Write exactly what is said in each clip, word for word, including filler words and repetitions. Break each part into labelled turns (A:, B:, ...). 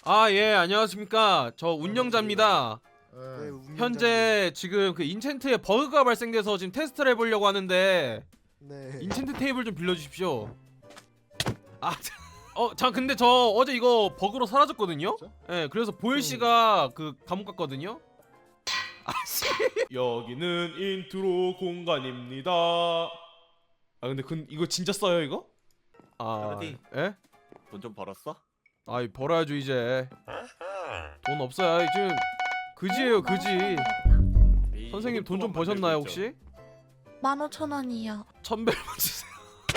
A: 아, 예, 안녕하십니까. 저 운영자입니다.
B: 네, 운영자님.
A: 현재 지금 그 인챈트에 버그가 발생돼서 지금 테스트를 해보려고 하는데
B: 네.
A: 인챈트 테이블 좀 빌려주십시오. 아, 자, 어, 자, 근데 저 어제 이거 버그로 사라졌거든요.
B: 진짜?
A: 예, 그래서 보일 씨가 그 감옥 갔거든요. 아씨. 여기는 인트로 공간입니다. 아, 근데 그 이거 진짜 써요 이거? 아,
C: 그러디.
A: 예?
C: 돈 좀 벌었어?
A: 아이 벌어야죠 이제. 돈 없어요 지금. 그지예요 그지. 선생님 돈 좀 버셨나요 혹시?
D: 만 오천 원이요.
A: 천벨만 주세요.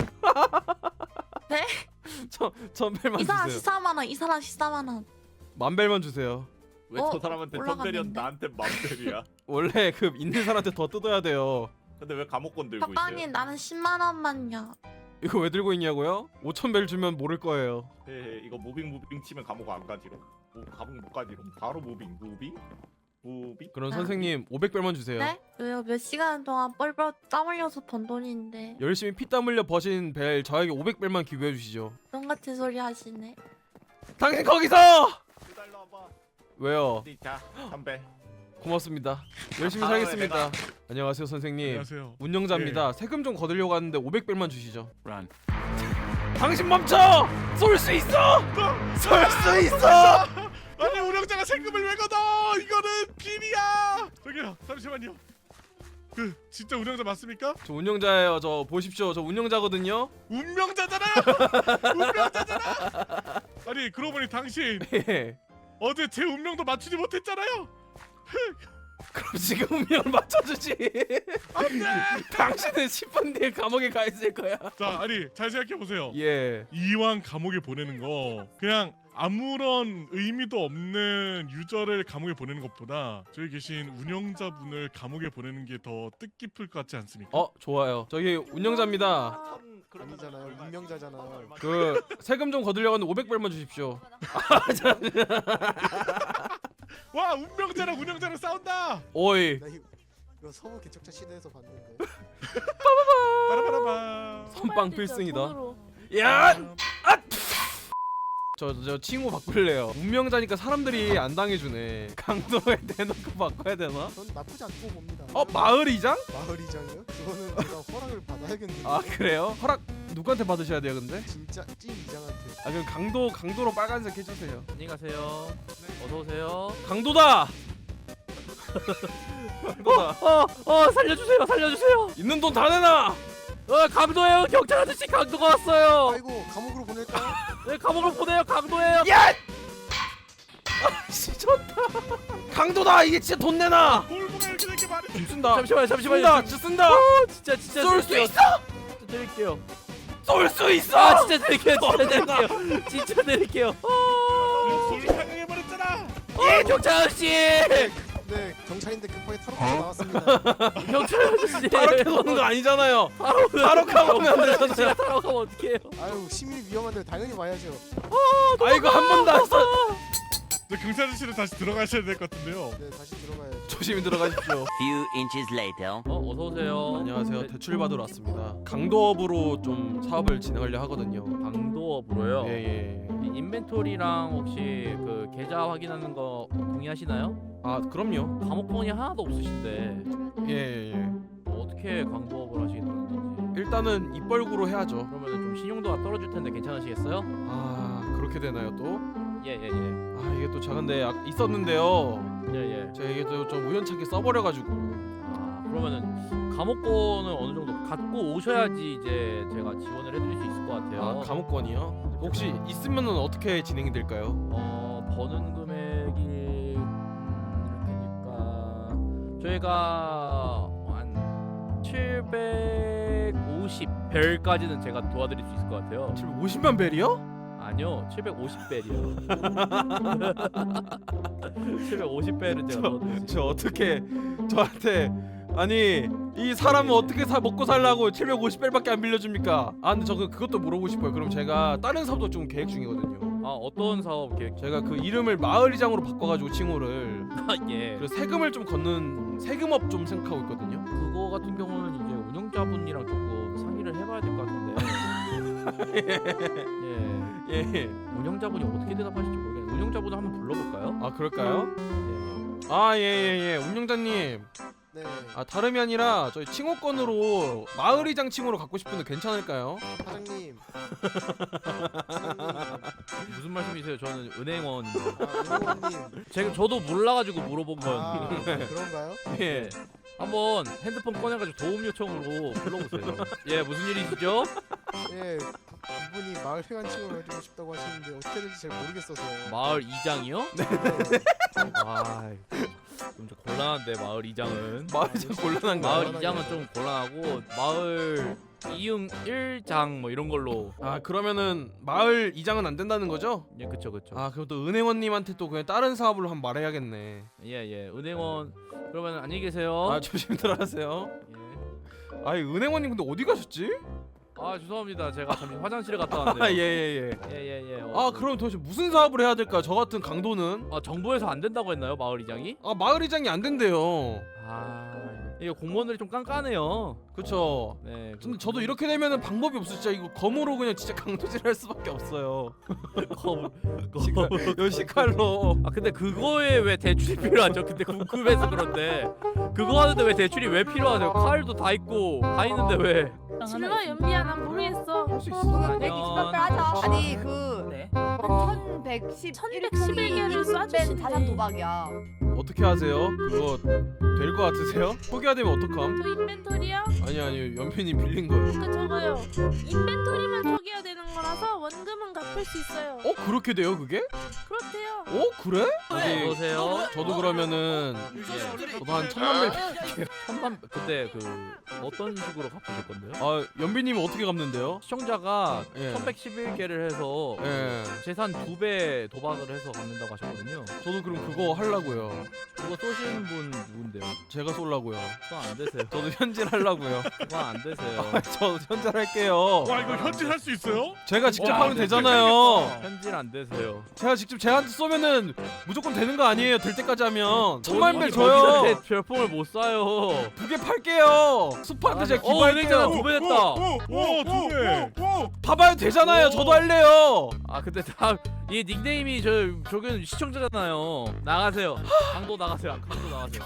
D: 네?
A: 천 천벨만
D: 이 사람
A: 주세요.
D: 십사만 원, 이 사람 십사만 원.
A: 만벨만 주세요.
C: 왜
D: 어,
C: 저 사람한테 천벨이었
D: 올라갔는데?
C: 나한테 만벨이야?
A: 원래 그 있는 사람한테 더 뜯어야 돼요.
C: 근데 왜 감옥권 들고 있어요?
D: 박방님 나는 십만 원만요.
A: 이거 왜 들고 있냐고요? 오천 벨 주면 모를 거예요.
C: 헤헤, 이거 무빙 무빙 치면 감옥 안 가지롱. 뭐 감옥 못 가지롱. 바로 무빙 무빙 무빙.
A: 그럼
D: 아.
A: 선생님 오백 벨만 주세요.
D: 네? 왜요? 몇 시간 동안 뻘뻘 땀 흘려서 번 돈인데
A: 열심히 피땀 흘려 버신 벨 저에게 오백 벨만 기부해 주시죠.
D: 똥 같은 소리 하시네.
A: 당신 거기서!
C: 기다려 와봐.
A: 왜요?
C: 어디 자 천벨.
A: 고맙습니다. 열심히
C: 아,
A: 살겠습니다. 안녕하세요 선생님.
E: 안녕하세요.
A: 운영자입니다. 세금 좀 거들려고 하는데 오백 벨만 주시죠.
C: 란.
A: 당신 멈춰! 쏠 수 있어! 쏠 수 있어!
E: 아니 운영자가 세금을 왜 걷어? 이거는 비리야. 저기요 잠시만요. 그 진짜 운영자 맞습니까?
A: 저 운영자예요. 저 보십시오. 저 운영자거든요.
E: 운명자잖아요. 운명자잖아. 아니 그러고 보니 당신
A: 예.
E: 어제 제 운명도 맞추지 못했잖아요.
A: 그럼 지금 운명을 맞춰주지.
E: 안돼.
A: 당신은 십 분 뒤에 감옥에 가 있을 거야.
E: 자 아니 잘 생각해 보세요.
A: 예.
E: 이왕 감옥에 보내는 거 그냥 아무런 의미도 없는 유저를 감옥에 보내는 것보다 저기 계신 운영자분을 감옥에 보내는 게 더 뜻깊을 것 같지 않습니까?
A: 어 좋아요. 저기 운영자입니다.
C: 천 그러면
B: 아니잖아요.
C: 얼마-
B: 운명자잖아요.
A: 그 세금 좀 거들려고 하는데 오백 벨만 주십시오.
E: 와 운명자랑 운영자랑 싸운다.
A: 오이.
B: 나 이거, 이거 서부 개척자 시대에서 봤는데.
E: 빠라바라바.
A: 선빵 필승이다.
D: 돈으로.
A: 야! 저 저 칭호 바꿀래요. 운명자니까 사람들이 안 당해주네. 강도에 대놓고 바꿔야 되나?
B: 전 나쁘지 않고 봅니다.
A: 어 마을 이장?
B: 마을 이장이요? 그거는 제가 허락을 받아야겠는데.
A: 아 그래요? 허락 누구한테 받으셔야 돼요 근데?
B: 진짜 찐 이장한테.
A: 아 그럼 강도 강도로 빨간색 해주세요.
F: 안녕히 가세요. 어서 오세요.
A: 강도다. 강도다.
F: 어, 어, 살려주세요, 살려주세요.
A: 있는 돈 다 내놔.
F: 어, 강도예요. 경찰 아저씨 강도가 왔어요.
B: 아이고 감옥으로 보낼까요?
F: 네, 감옥을 보내요. 강도예요.
A: 야! 아씨 좋다. 강도다. 이게 진짜 돈 내놔.
E: 골고루 이렇게 될게 말이.
A: 좀 쓴다.
F: 잠시만요, 잠시만요.
A: 쓴다. 진짜 쓴다.
F: 진짜, 진짜
A: 쏠 수
F: 드릴게요.
A: 있어?
F: 진짜 드릴게요.
A: 쏠 수 있어.
F: 아, 진짜 드릴게요. 진짜 드릴게요. 진짜 드릴게요.
E: 돌탕해 버렸잖아.
F: 예, 경찰 아저씨.
B: 네 경찰인데 급하게 탈옥해서 나왔습니다.
F: 경찰 아저씨.
A: 타락해 놓는 거 아니잖아요.
F: 바로
A: 타락하고 오면 안
F: 아저씨가
A: 되잖아요.
F: 타락하면 어떡해요?
B: 아유 시민이 위험한데 당연히 와야죠.
A: 아이고 한 번도 안 써.
E: 저 경찰 아저씨로 다시 들어가셔야 될 것 같은데요.
B: 네 다시 들어가야죠.
A: 조심히 들어가십시오.
G: Few inches later.
F: 어, 어서 오세요.
A: 안녕하세요. 대출 받으러 왔습니다. 강도업으로 좀 사업을 진행하려 하거든요.
F: 강도업으로요.
A: 예예.
F: 이 인벤토리랑 혹시 그 계좌 확인하는 거 동의하시나요?
A: 아 그럼요.
F: 감옥권이 하나도 없으신데
A: 예예예.
F: 뭐 어떻게 강도업을 하시겠다는 건지.
A: 일단은 입벌구로 해야죠.
F: 그러면 좀 신용도가 떨어질 텐데 괜찮으시겠어요?
A: 아 그렇게 되나요 또?
F: 예예예.
A: 아 이게 또 작은데 아, 있었는데요.
F: 예예.
A: 제가 이게 또 좀 우연찮게 써버려가지고.
F: 아 그러면은 감옥권을 어느 정도 갖고 오셔야지 이제 제가 지원을 해드릴 수 있을 것 같아요.
A: 아 감옥권이요? 혹시 있으면은 어떻게 진행이 될까요?
F: 어 버는 금액이 음, 이렇게니까 저희가 한 칠백오십 벨까지는 제가 도와드릴 수 있을 것 같아요.
A: 칠백오십만 벨이요?
F: 아니요, 칠백오십 벨이요. 칠백오십 벨은 제가 도와드릴 수 있어요.
A: 저 어떻게 저한테 아니 이 사람은 어떻게 사 먹고 살라고 칠백오십 벨밖에 안 빌려줍니까? 아 근데 저 그- 그것도 물어보고 싶어요. 그럼 제가 다른 사업도 좀 계획 중이거든요.
F: 아 어떤 사업 계획?
A: 제가 그 이름을 마을이장으로 바꿔가지고 칭호를
F: 아 예.
A: 그래서 세금을 좀 걷는 세금업 좀 생각하고 있거든요.
F: 그거 같은 경우는 이제 운영자분이랑 조금 상의를 해봐야 될 것 같은데. 예.
A: 예.
F: 운영자분이 어떻게 대답하실지 모르겠는데. 운영자분을 한번 불러볼까요?
A: 아 그럴까요?
F: 예.
A: 아 예예예 운영자님.
B: 네.
A: 아 다름이 아니라 저희 칭호권으로 마을이장 칭호로 갖고 싶은데 괜찮을까요?
B: 사장님. 사장님.
F: 무슨 말씀이세요? 저는 은행원인데.
B: 아, 은호님.
F: 제가 저도 몰라가지고 물어본 건.
B: 아, 그런가요?
F: 예. 한번 핸드폰 꺼내가지고 도움 요청으로 불러보세요. 예, 무슨 일이시죠?
B: 예. 이분이 마을 회관칭을 해주고 싶다고 하시는데 어떻게 될지 잘 모르겠어서.
F: 마을 이장이요?
B: 네.
F: 아, 좀 곤란한데 마을 이장은.
A: 마을이장 곤란한가요?
F: 마을 이장은 좀 곤란하고 마을 이응 일장 뭐 이런 걸로.
A: 아 그러면은 마을 이장은 안 된다는 거죠?
F: 예, 그쵸 그쵸.
A: 아 그럼 또 은행원님한테 또 그냥 다른 사업을 한번 말해야겠네.
F: 예예. 은행원 그러면 안녕히 계세요.
A: 아 조심들 하세요.
F: 예.
A: 아이 은행원님 근데 어디 가셨지?
F: 아 죄송합니다. 제가 잠시 화장실에 갔다 왔는데요.
A: 아 예예예.
F: 예예예.
A: 아 그럼 도대체 무슨 사업을 해야 될까? 저 같은 강도는
F: 아 정부에서 안 된다고 했나요 마을 이장이?
A: 아 마을 이장이 안 된대요.
F: 아 이거 공무원들이 좀 깐깐해요.
A: 그쵸?
F: 네.
A: 근데 저도 이렇게 되면은 방법이 없어. 진짜 이거 검으로 그냥 진짜 강도질할 수밖에 없어요.
F: 검
A: 요 시칼로.
F: 아 근데 그거에 왜 대출이 필요하죠? 근데 궁금해서 그런데 그거 하는데 왜 대출이 왜 필요하세요? 칼도 다 있고 다 있는데 왜?
G: 질러 연비야 난 모르겠어.
A: 할 수 있어.
F: 백이십팔
H: 하자. 아니 그
G: 네.
H: 천백십
G: 천백십일 개를 쏴주신대.
H: 자산 도박이야.
A: 어떻게 하세요? 그거 될 것 같으세요? 포기가 되면 어떡함?
G: 저 인벤토리요?
A: 아니 아니 연필님 빌린 거예요.
G: 그 저거요. 인벤토리만 초기화 되는 거라서 원금은 갚을 수 있어요.
A: 어 그렇게 돼요 그게?
G: 그렇대요.
A: 어 그래? 아니,
F: 어서오세요.
A: 저도 그러면은
F: 예.
A: 저도 한 천만 배.
F: 천만 근데 그 어떤 식으로 갚으실 건데요?
A: 아 연비님은 어떻게 갚는데요?
F: 시청자가
A: 예.
F: 천백십일 개를 해서
A: 예.
F: 재산 두 배 도박을 해서 갚는다고 하셨거든요.
A: 저도 그럼 그거 하려고요.
F: 그거 쏘시는 분 누군데요?
A: 제가 쏠라고요.
F: 그거 안 되세요.
A: 저도 현질하려고요.
F: 그거 안 되세요.
A: 아, 저 현질할게요.
E: 와 이거 현질할 수 있어요?
A: 제가 직접
E: 와,
A: 하면
E: 네,
A: 되잖아요.
F: 현질 안 되세요.
A: 제가 직접 제한테 쏘면은 무조건 되는 거 아니에요? 될 때까지 하면 천만 배
F: 어디-
A: 줘요.
F: 어디한테 별풍을 못 쏴요.
A: 두 개 팔게요. 숲한테 제가
F: 어, 은행자가
A: 기부할게요.
F: 두 배 됐다.
E: 오두 배.
A: 봐봐요 되잖아요. 저도 할래요.
F: 아 근데 다 이 닉네임이 저 저기는 시청자잖아요. 나가세요. 강도 나가세요. 강도 나가세요.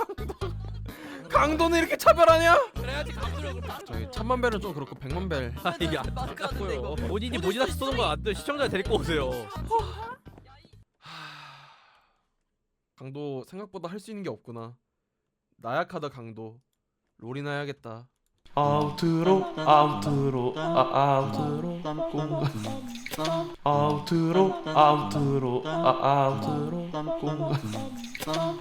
A: 강도는 이렇게 차별하냐?
F: 그래야지 강도력을.
A: 저기 천만 배는 좀 그렇고 백만 배.
F: 아 이게 안 맞고요. 본인이 본인한테 쏘는 거 안 돼. 시청자 데리고 오세요.
A: 강도 생각보다 할 수 있는 게 없구나. 나약하다 강도. 롤이나 해야겠다. 아우트로 아우트로 아 아우트로 공간 아우트로 아우트로 아 아우트로 공간